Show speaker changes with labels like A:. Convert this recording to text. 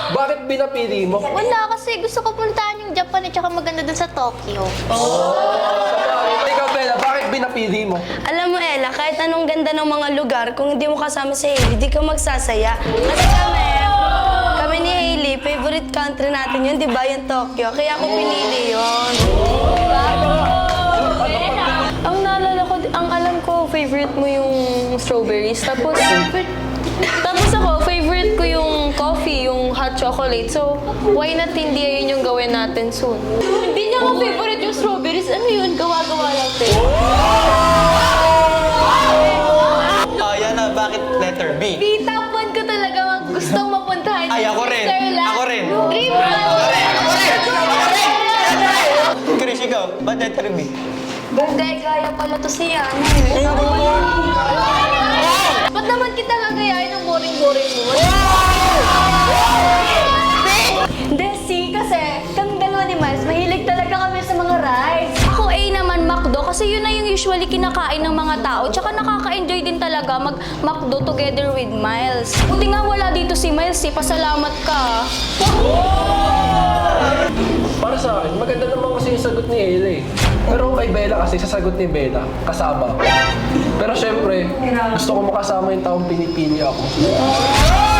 A: Bakit binapili mo?
B: Wala, kasi gusto ko puntahan yung Japan at saka maganda dun sa Tokyo.
A: Ikaw, Bella, bakit binapili mo?
C: Alam mo, Ella, kahit anong ganda ng mga lugar, kung hindi mo kasama si Hailey, di ka magsasaya. Kasi kami ni Hailey, favorite country natin yun, di ba? Yung Tokyo. Kaya ako pinili yun.
D: Ang naalala ko, ang alam ko, favorite mo yung strawberries. Tapos ako, favorite ko yung coffee, yung hot chocolate. So, why not hindi yun yung gawin natin soon? Hindi niya ako favorite yung strawberries. Ano yun? Gawa-gawa natin.
E: Oh, yan na. Bakit letter B?
D: Top 1 ko talaga gustong mapuntahan.
E: Ay, ako rin. Ako rin.
D: Dream
E: Chris, ikaw. Ba't letter B?
C: Hindi, gaya pala to siya.
D: Ba't naman kita gagayain ng boring-boring mo?
C: Hindi, kasi kami dalawa ni Miles, mahilig talaga kami sa mga rides.
B: Ako A naman, McDo, kasi yun na yung usually kinakain ng mga tao. Tsaka nakaka-enjoy din talaga mag-McDo together with Miles. Buti nga wala dito si Miles, pasalamat ka.
A: Para sa akin, maganda naman kasi yung sagot ni Ella eh. Pero kay Bella kasi, sasagot ni Bella, kasama. Pero syempre, gusto ko makasama yung taong pinipili ako.